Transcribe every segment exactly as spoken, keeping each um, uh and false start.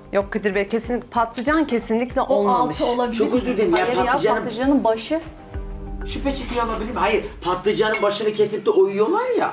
Yok Kadir Bey, kesinlikle patlıcan kesinlikle O olmamış. altı olabilir. Çok özür dilerim ya, Hayır ya patlıcanın... patlıcanın başı. Şu peçeteyi alabilir miyim? Hayır, patlıcanın başını kesip de oyuyorlar ya.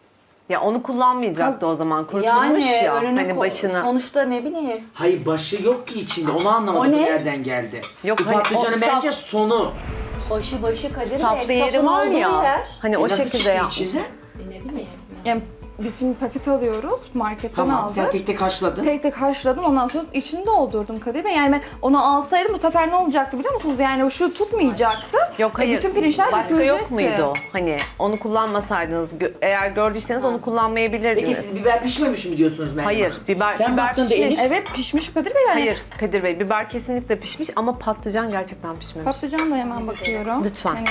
Ya onu kullanmayacaktı o zaman. Kurtulmuş Yani ya önünü hani ko- başını. sonuçta ne bileyim. Hayır, başı yok ki içinde. Onu anlamadım O ne? nereden geldi. Yok, Bu hani patlıcanın o bence sap- sonu. Başı başı Kadir Saplı Bey. yeri Sapın var olduğu ya. yer. Hani E o nasıl şekilde çıktı yapmış. içinden? Ne bileyim. Yani biz şimdi paket alıyoruz, marketten Tamam, aldık. sen tek tek haşladın. Tek tek haşladım, ondan sonra içini doldurdum Kadir Bey. Yani ben onu alsaydım bu sefer ne olacaktı biliyor musunuz? Yani şu tutmayacaktı. Yok E, hayır. bütün pirinçler Başka yok dökülecekti. muydu o? Hani onu kullanmasaydınız, gö- eğer gördüyseniz onu Peki kullanmayabilirdiniz. siz biber pişmemiş mi diyorsunuz Meryem Hayır, Hanım? biber- Sen biber baktın da pişmiş. eriş- Evet pişmiş Kadir Bey yani. Hayır Kadir Bey, biber kesinlikle pişmiş ama patlıcan gerçekten pişmemiş. Patlıcan da hemen bakıyorum. Lütfen. Hani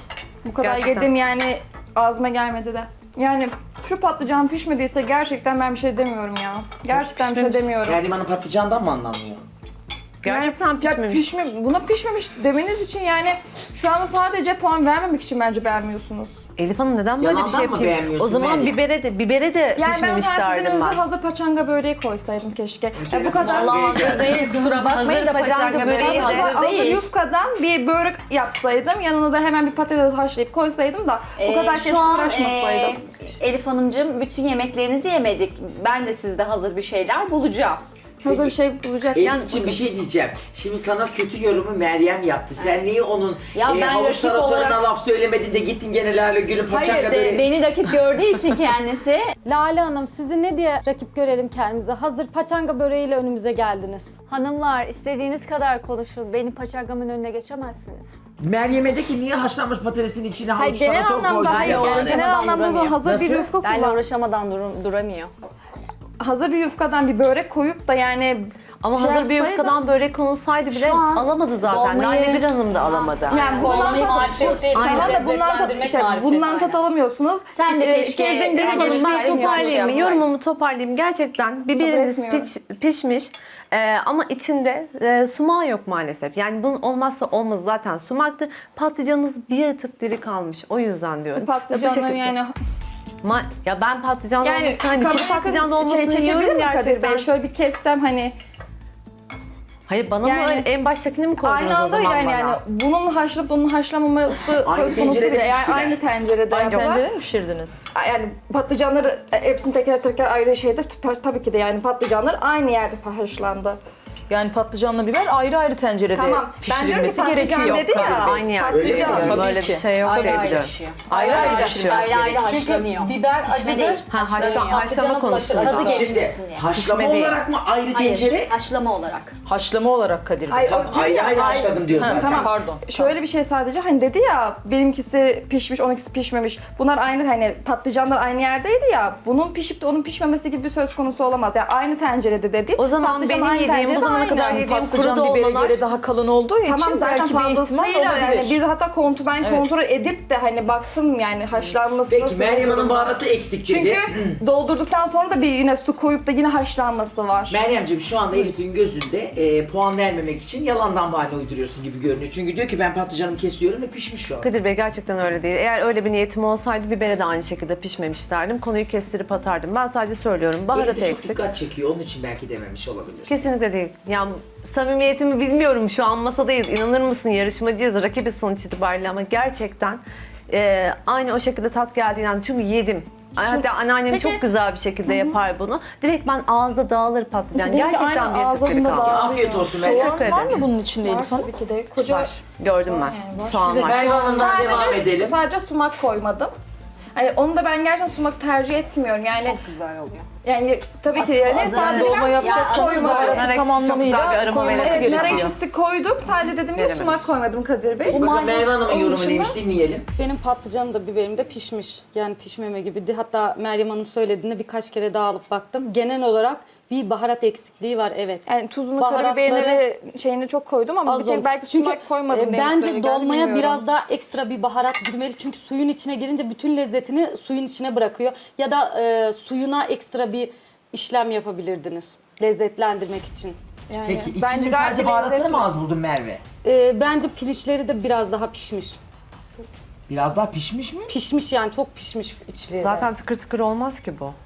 bu kadar Gerçekten. yedim yani ağzıma gelmedi de. Yani şu patlıcan pişmediyse gerçekten ben bir şey demiyorum ya. Gerçekten bir şey Pişmemiş. demiyorum. Meryem Hanım patlıcandan mı anlamıyor? Gerçekten Ya pişmemiş. pişme, buna pişmemiş demeniz için yani şu anda sadece puan vermemek için bence beğenmiyorsunuz. Elif Hanım neden böyle Yalandan bir şey mı yapayım? beğenmiyorsun O zaman Meryem? bibere de bibere de Yani ben pişmemiş sizin derdim önünüze ben. hazır paçanga böreği koysaydım keşke. Ya bu kadar Vallahi Hazır değil kusura bakmayın da Hazır paçanga paçanga böreği böreği de- hazır hazır değil. yufkadan bir börek yapsaydım, yanına da hemen bir patates haşlayıp koysaydım da bu Ee, kadar şu keşke an, uğraşmasaydım. e, Elif Hanımcığım bütün yemeklerinizi yemedik. Ben de sizde hazır bir şeyler bulacağım. Hazır bir şey bulacak. Elif'ciğim bir şey diyeceğim. Şimdi sana kötü yorumu Meryem yaptı. Sen niye onun Ya e, ben havuç rakip taratoruna olarak- laf söylemedin de gittin gene Lale Gül'ün Hayır paçanga de, böreği. beni rakip gördüğü için kendisi. Lale Hanım sizi ne diye rakip görelim kendimize? Hazır paçanga böreğiyle önümüze geldiniz. Hanımlar istediğiniz kadar konuşun. Benim paçangamın önüne geçemezsiniz. Meryem'e de ki niye haşlanmış patatesin içine Hayır havuç genel tarator koydun? anlamda hayır. ya? Yani uğraşamadan genel anlamda duramıyor. hazır Nasıl? bir yufka Benle kullan. uğraşamadan durum, duramıyor. Hazır bir yufkadan bir börek koyup da yani Ama şey hazır bir yapsaydım- yufkadan börek konulsaydı bile Şu an alamadı zaten. dolmayı- Lale bir Hanım da alamadı. Yani bundan Dolmayı tat, marifet değil, tamam da aynen. bundan tat, Lezzetlendirmek işte, marifet, bundan tat aynen. alamıyorsunuz. Sen de Ee, keşke ikinizin biri yani Hanım, gelişmek ben yarışmayı için yapmış toparlayayım mı? yapsaydın. Yorumumu toparlayayım. Gerçekten biberiniz etmiyorum. piş- pişmiş Ee, ama içinde e, sumağı yok maalesef. Yani bunun olmazsa olmaz zaten sumaktır. Patlıcanınız bir tık diri kalmış. O yüzden diyorum. Patlıcanları Bu şekilde. yani Ma- ya ben patlıcan yani olmasını, hani kabuk kuru patlıcan olmasını şey çekebilir yiyorum mi Kadir gerçekten. Bey? Şöyle bir kessem hani Hayır bana Yani- mı öyle en baştakini mi koydunuz aynı o anda zaman yani, bana? yani bunun haşlanıp bunun haşlanmaması Aynı söz konusu tencerede bile. Yani piştiler. aynı tencerede Aynı yapılan. tencerede mi pişirdiniz? Yani patlıcanları e, hepsini teker teker ayrı şeyde t- tabii ki de yani patlıcanlar aynı yerde haşlandı. Yani patlıcanla biber ayrı ayrı tencerede Tamam. Ben diyorum ki pişirilmesi patlıcan gerekiyor. dedi ya. Aynı yerde Öyle mi? yapıyorum. Tabii Böyle ki. bir şey yok Ayrı diye ayrı biliyorum. pişiyor. Ayrı ayrı Ayrı pişiyor. ayrı ayrı Çünkü haşlanıyor. biber Pişme acıdır. değil. Ha, haşla- Haşlanıyor. haşlama Patlıcanın konusunda. bulaşığı tadı Şimdi geçmesin diye. haşlama Pişme değil. olarak mı ayrı tencere? Hayır, haşlama olarak. Haşlama olarak Kadir Bey. Hayır, Tamam, o- ayrı ayrı Ay- haşladım diyor Ha, zaten. tamam. Pardon. Şöyle bir şey sadece hani dedi ya benimkisi pişmiş, onunkisi pişmemiş. Bunlar aynı hani patlıcanlar aynı yerdeydi ya. Bunun pişip de onun pişmemesi gibi bir söz konusu olamaz. Yani aynı tencerede dedi. O zaman Patlıcan benim aynı yediğim, tencerede bu zamana aynı. kadar Yani yediğim kuru Patlıcan biberi dolmalar. yeri daha kalın olduğu için Tamam zaten belki bir ihtimal fazlasıyla olabilir. yani biz hatta kontrol ben Evet. kontrol edip de hani baktım yani haşlanmasına. Peki Meryem Hanım baharatı eksik dedi. Çünkü doldurduktan sonra da bir yine su koyup da yine haşlanması var. Meryemciğim şu anda Elif'in gözünde e, puan vermemek için yalandan bahane uyduruyorsun gibi görünüyor. Çünkü diyor ki ben patlıcanımı kesiyorum ve pişmiş şu an. Kadir Bey gerçekten öyle değil. Eğer öyle bir niyetim olsaydı bibere de aynı şekilde pişmemiş derdim. Konuyu kestirip atardım. Ben sadece söylüyorum. Elif Baharat de çok eksik. dikkat çekiyor. Onun için belki dememiş olabilir. Kesinlikle değil. Ya samimiyetimi bilmiyorum, şu an masadayız. İnanır mısın, yarışmacıyız, rakibiz sonuç itibariyle ama gerçekten e, aynı o şekilde tat geldiğinden çünkü yedim. Hatta anneannem Peki- çok güzel bir şekilde yapar bunu. Direkt ben ağızda dağılır patlıcan. Benimki Gerçekten aynı bir tık diri ağzımda kaldı. dağılır. Afiyet olsun Meryem. Teşekkür Soğan var ederim. mı bunun içinde Var Elif Hanım? tabii ki de. Koca Var. Gördüm ben. yani var. Soğan var. Meryem Hanım'dan devam edelim. Sadece sumak koymadım. Hani onu da ben gerçekten sumak tercih etmiyorum. Yani Çok güzel oluyor. yani tabii ki yani Aslında sadece Dolma ben yapacaksanız koymadım. baharatı Nar ekşisi tam çok güzel bir anlamıyla aroma koyulması veresi Evet, nar gerekiyor. ekşisi koydum. Sadece dedim ya Verememiş. sumak koymadım Kadir Bey. Bakın Meryem Hanım'ın Onun yorumu dışında- neymiş dinleyelim. Benim patlıcanım da biberim de pişmiş. Yani pişmeme gibi. Hatta Meryem Hanım söylediğinde birkaç kere daha alıp baktım. Genel olarak bir baharat eksikliği var evet. Yani tuzunu, Baharatları karabiberini şeyini çok koydum ama bir Az kere oldu. belki Çünkü sumak koymadım. e, diye bence söyle, dolmaya bilmiyorum. biraz daha ekstra bir baharat girmeli. Çünkü suyun içine girince bütün lezzetini suyun içine bırakıyor. Ya da e, suyuna ekstra bir işlem yapabilirdiniz. Lezzetlendirmek için. Yani Peki bence içinde gayet sadece baharatını lezzetli. mı az buldun Merve? E, bence pirinçleri de biraz daha pişmiş. Biraz daha pişmiş mi? Pişmiş yani çok pişmiş içleri. Zaten tıkır tıkır olmaz ki bu.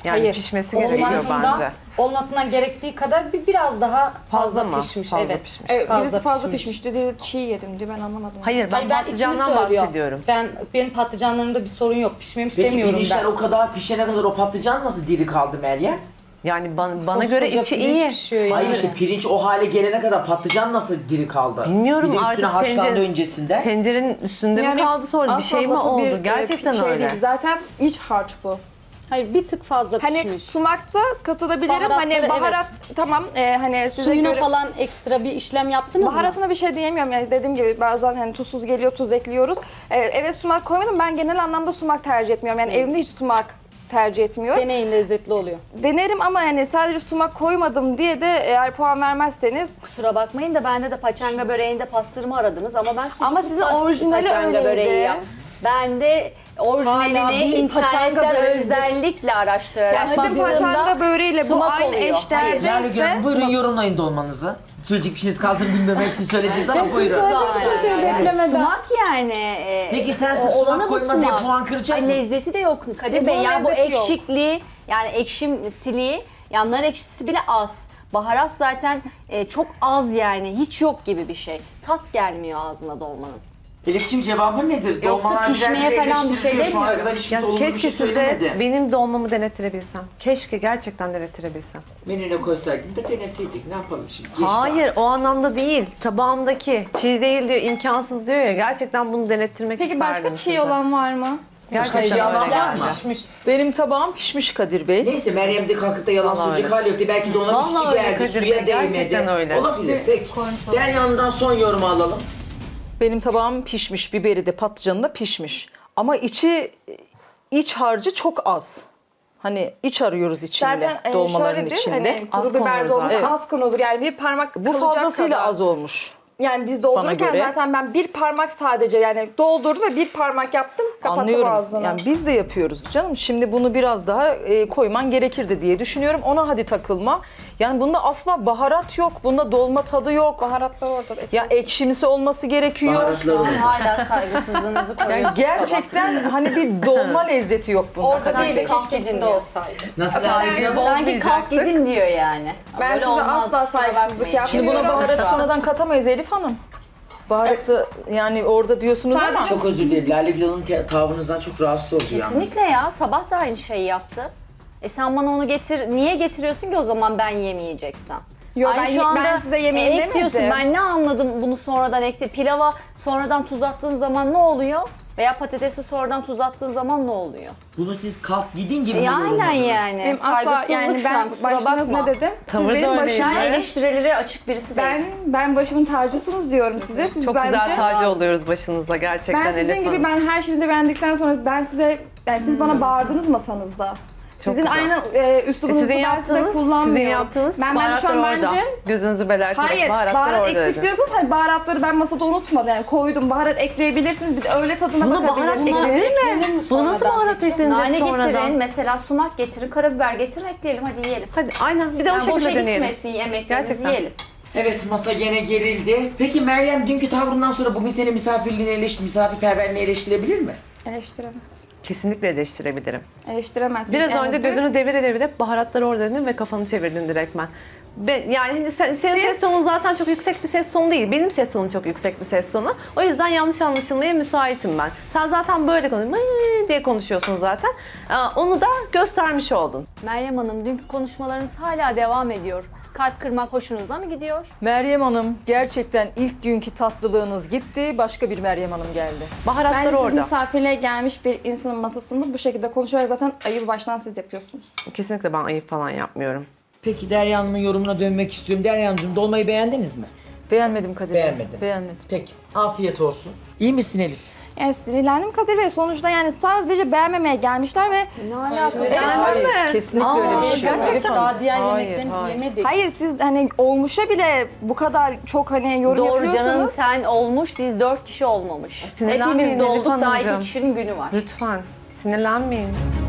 Yani Hayır. pişmesi gerekiyor Olmasından- bence. Olmasından gerektiği kadar bir biraz daha fazla, Fazla mı? pişmiş. Fazla evet. pişmiş. Evet, Fazla birisi fazla pişmiş. pişmiş. Dedi çiğ yedim diyor, ben anlamadım. Hayır ben Hayır, ben içini patlıcandan söylüyorum. bahsediyorum. Ben benim patlıcanlarımda bir sorun yok. Pişmemiş Peki demiyorum pirinçler ben. o kadar pişene kadar o patlıcan nasıl diri kaldı Meryem? Yani bana, bana Koskoca göre içi pirinç iyi. pişiyor yani. Hayır işte pirinç o hale gelene kadar patlıcan nasıl diri kaldı? Bilmiyorum bir de üstüne artık haşlandı tencere- öncesinde. Tencerenin üstünde mi Yani kaldı sonra bir asla şey mi lafı oldu? bir, e, Gerçekten şey öyle. değil. Zaten iç harç bu. Hayır, bir tık fazla Hani pişmiş. sumakta katılabilirim. Baharatları, Hani baharat tamam e, hani size Suyuna göre... falan ekstra bir işlem yaptınız mı? Baharatına bir şey diyemiyorum yani dediğim gibi bazen hani tuzsuz geliyor, tuz ekliyoruz. Ee, eve sumak koymadım, ben genel anlamda sumak tercih etmiyorum. Yani evimde hiç sumak tercih etmiyorum. Deneyin, lezzetli oluyor. Denerim ama yani sadece sumak koymadım diye de eğer puan vermezseniz Kusura bakmayın da bende de paçanga böreğinde pastırma aradınız ama ben sucuklu Ama sizin pastırma orijinali paçanga öyleydi. böreği yap. Ben de Hala orijinalini bir paçanga internetten böreğidir. özellikle araştırarak yani bizim baktığımda paçanga böreğiyle bu sumak aynı oluyor. eşdeğerde Merve ise Hanım buyurun yorumlayın dolmanızı. Söyleyecek bir şeyiniz kaldı mı bilmiyorum hepsini söylediniz ama buyurun. Yani Sumak yani. e, Peki sensiz o- sumak olanı bu koyma diye sumak. puan kıracak Ay, mı? lezzeti de yok Kadir E, Bey. bunun Yani bu lezzeti yok. ekşikliği yani ekşimsiliği yani nar ekşisi bile az. Baharat zaten e, çok az yani hiç yok gibi bir şey. Tat gelmiyor ağzına dolmanın. Elif'ciğim cevabın nedir? Yoksa Dolmalar pişmeye güzel falan bir şey eleştiriliyor. Şu ana demiyorum. kadar hiç Ya kimse olumlu bir keşke şey size söylemedi. benim dolmamı denettirebilsem. Keşke gerçekten denettirebilsem. Menüne koysaydık da deneseydik. Ne yapalım şimdi? Geçti Hayır o anlamda değil. Tabağımdaki çiğ değil diyor, imkansız diyor ya. Gerçekten bunu denettirmek peki isterdim başka çiğ size. olan var mı? Gerçekten Başka yalan öyle var mı? geldi. Pişmiş. Benim tabağım pişmiş Kadir Bey. Neyse Meryem de kalkıp da yalan Vallahi söyleyecek öyle. hali yoktu. Belki de ona Vallahi misli öyle geldi, Kadir suya Bey, değmedi. gerçekten öyle. Olabilir. Peki. Derya'ndan son yorumu alalım. Benim tabağım pişmiş, biberi de patlıcanı da pişmiş. Ama içi, iç harcı çok az. Hani iç arıyoruz içinde, Zaten e, dolmaların şöyle değil, içinde. hani Az kuru biber konulur dolması zaten. az konulur yani bir parmak Bu kalacak fazlasıyla kadar. az olmuş. Yani biz doldururken göre. zaten ben bir parmak sadece yani doldurdum ve bir parmak yaptım, kapattım Anlıyorum. ağzını. Yani biz de yapıyoruz canım. Şimdi bunu biraz daha e, koyman gerekirdi diye düşünüyorum. Ona hadi takılma. Yani bunda asla baharat yok. Bunda dolma tadı yok. Baharatlar orada. Ya ekşimsi olması gerekiyor. Baharatları olur. Hala saygısızlığınızı Yani koruyorsunuz. gerçekten hani bir dolma lezzeti yok bunda. Orada Kadir değil Bey. de keşke içinde olsaydı. Nasıl Efendim, Meryem? Sanki kalk gidin diyor yani. Ben Böyle size olmaz, asla kusura saygısızlık bakmayın. Şimdi buna yapmıyorum. baharatı sonradan katamayız Elif Hanım. Baharatı yani orada diyorsunuz ama. Sadece- Çok özür dilerim. Lale Gül'ün te- tavrınızdan çok rahatsız oldu yalnız. Kesinlikle ya. Sabah da aynı şeyi yaptı. E sen bana onu getir. Niye getiriyorsun ki o zaman ben yemeyeceksem? Yo, Aynı ben şu ye- anda ben size yemeyin e, ek demedim. diyorsun. Ben ne anladım bunu sonradan ekle. Pilava sonradan tuz attığın zaman ne oluyor? Veya patatesi sonradan tuz attığın zaman ne oluyor? Bunu siz kalk gidin gibi E mi aynen yorumladınız? yani. Benim asla Saygısızlık yani şu an ben kusura başınız bakma. ne dedim? Siz Tavır da benim öyleydi. başım- Sen eleştirilere açık birisi Ben değilsin. ben başımın tacısınız diyorum size. Siz Çok bence, güzel tacı oluyoruz başınıza gerçekten Ben sizin Elif gibi Hanım. ben her şeyinizi beğendikten sonra ben size yani siz bana bağırdınız masanızda. Çok sizin güzel. aynı e, üslubunuzu Sizin ben size yaptığınız, kullanmıyorum. sizin yaptığınız ben ben şu baharatlar an orada. bence Gözünüzü belerterek hayır baharatlar baharat orada eksik dedim. diyorsanız hani baharatları ben masada unutmadım yani koydum baharat ekleyebilirsiniz bir de öyle tadına Buna baharat bakabilirsiniz. eklenir mi? Bu nasıl sonradan baharat peki? eklenecek Nane sonradan? getirin, mesela sumak getirin, karabiber getirin, ekleyelim hadi yiyelim. Hadi aynen bir de o Yani boşa şekilde deneyelim. gitmesin yemeklerimizi Gerçekten. yiyelim. Evet masa gene gerildi. Peki Meryem dünkü tavrından sonra bugün senin misafirliğini eleştir, misafirperverliğini eleştirebilir mi? Eleştiremez. Kesinlikle eleştirebilirim. Eleştiremezsiniz. Biraz Yani önce dün- gözünü devire devire baharatları orada dedin ve kafanı çevirdin direktmen. Ben, yani hani sen, senin ses tonun zaten çok yüksek bir ses tonu değil. Benim ses tonum çok yüksek bir ses tonu. O yüzden yanlış anlaşılmaya müsaitim ben. Sen zaten böyle konuşuyorsun diye konuşuyorsun zaten. Ee, Onu da göstermiş oldun. Meryem Hanım dünkü konuşmalarınız hala devam ediyor. Kalp kırmak hoşunuza mı gidiyor? Meryem Hanım gerçekten ilk günkü tatlılığınız gitti. Başka bir Meryem Hanım geldi. Baharatlar Bence siz orada. misafirliğe gelmiş bir insanın masasında bu şekilde konuşarak zaten ayıbı baştan siz yapıyorsunuz. Kesinlikle ben ayıp falan yapmıyorum. Peki Derya Hanım'ın yorumuna dönmek istiyorum. Derya Hanımcığım dolmayı beğendiniz mi? Beğenmedim Kadir Bey. Beğenmediniz. Beğenmedim. Peki afiyet olsun. İyi misin Elif? Yani sinirlendim Kadir Bey. Sonuçta yani sadece beğenmemeye gelmişler ve Ne alakası? Beğendin mi? Kesinlikle Aa, öyle bir şey yok. gerçekten Elif Hanım. Daha diğer Hayır, yemeklerinizi hayır. yemedik. hayır siz hani olmuşa bile bu kadar çok hani yorum Doğru yapıyorsunuz. canım sen olmuş, biz dört kişi olmamış. Sinirlenmeyin Hepimiz Elif dolduk, daha iki Hanımcığım. kişinin günü var. Lütfen sinirlenmeyin.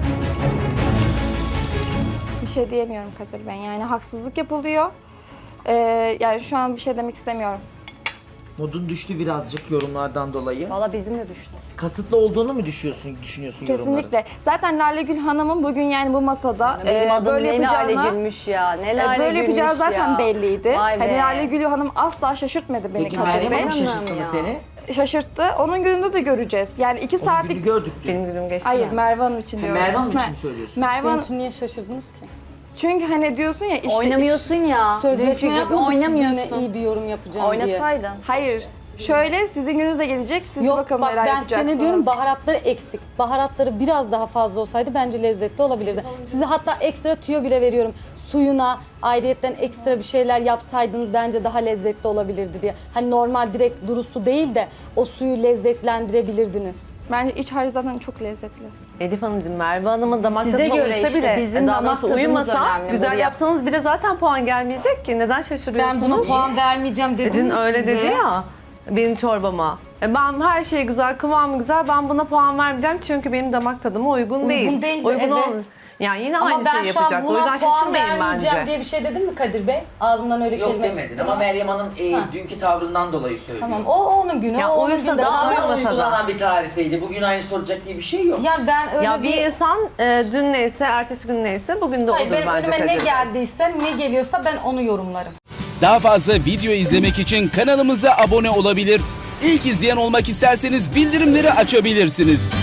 Bir şey diyemiyorum Kadir Bey. Yani haksızlık yapılıyor. Ee, yani şu an bir şey demek istemiyorum. Modun düştü birazcık yorumlardan dolayı. Valla bizim de düştü. Kasıtlı olduğunu mu düşünüyorsun, düşünüyorsun yorumların? Kesinlikle. Zaten Lale Gül Hanım'ın bugün yani bu masada Benim e, adım böyle ne Lale yapacağına Gülmüş ya. Ne e, Lale böyle Gülmüş yapacağı zaten ya. belliydi. Vay be. Hani Lale Gül Hanım asla şaşırtmadı beni Peki Kadir Meryem Bey. Hanım şaşırttı mı ya. seni? Şaşırttı. Onun gününde de göreceğiz. Yani iki Onun saatlik... günü gördük dün. Benim günüm geçti. Hayır ya. Merve Hanım için Ha, diyorum. Merve Hanım için Mer- mi söylüyorsun? Merve Bunun Hanım... için niye şaşırdınız ki? Çünkü hani diyorsun ya işte... Oynamıyorsun ya. Sözleşme Dünkü gibi yapmadık oynamıyorsun. sizinle iyi bir yorum yapacağım diye. Oynasaydın. Hayır. Şöyle sizin gününüz de gelecek. Siz Yok bakalım bak neler ben yapacaksınız. size ne diyorum, baharatları eksik. Baharatları biraz daha fazla olsaydı bence lezzetli olabilirdi. Size hatta ekstra tüyo bile veriyorum. Suyuna ayrıyetten ekstra bir şeyler yapsaydınız bence daha lezzetli olabilirdi diye. Hani normal direkt duru su değil de o suyu lezzetlendirebilirdiniz. Bence iç harcı zaten çok lezzetli. Elif Hanımcığım, Merve Hanım'ın damak Size tadına göre uysa işte, bile, bizim daha damak doğrusu tadımız uyumasa, önemli. güzel Buraya- yapsanız bile zaten puan gelmeyecek ki. Neden şaşırıyorsunuz? Ben buna puan vermeyeceğim dedim Dün mi öyle size? dedi ya benim çorbama. E ben her şey güzel, kıvamı güzel. Ben buna puan vermeyeceğim çünkü benim damak tadıma uygun, değil. Uygun değil, Uygun evet. olmuş. Yani yine Ama aynı ben şeyi şu an yapacak. O buna yüzden puan şaşırmayın vermeyeceğim bence. diye bir şey dedim mi Kadir Bey? Ağzımdan öyle Yok kelime demedin çıktı. ama Meryem Hanım e, Ha. dünkü tavrından dolayı söylüyor. Tamam o onun günü, Ya o onun uyursa günü. da Daha- uyumasa Ama da. uygulanan bir tarifeydi. Bugün aynı soracak diye bir şey yok. Ya ben öyle Ya bir insan e, dün neyse, ertesi gün neyse bugün de Hayır, olur benim bence önüme ne Kadir. geldiyse, ne geliyorsa ben onu yorumlarım. Daha fazla video izlemek için kanalımıza abone olabilir. İlk izleyen olmak isterseniz bildirimleri açabilirsiniz.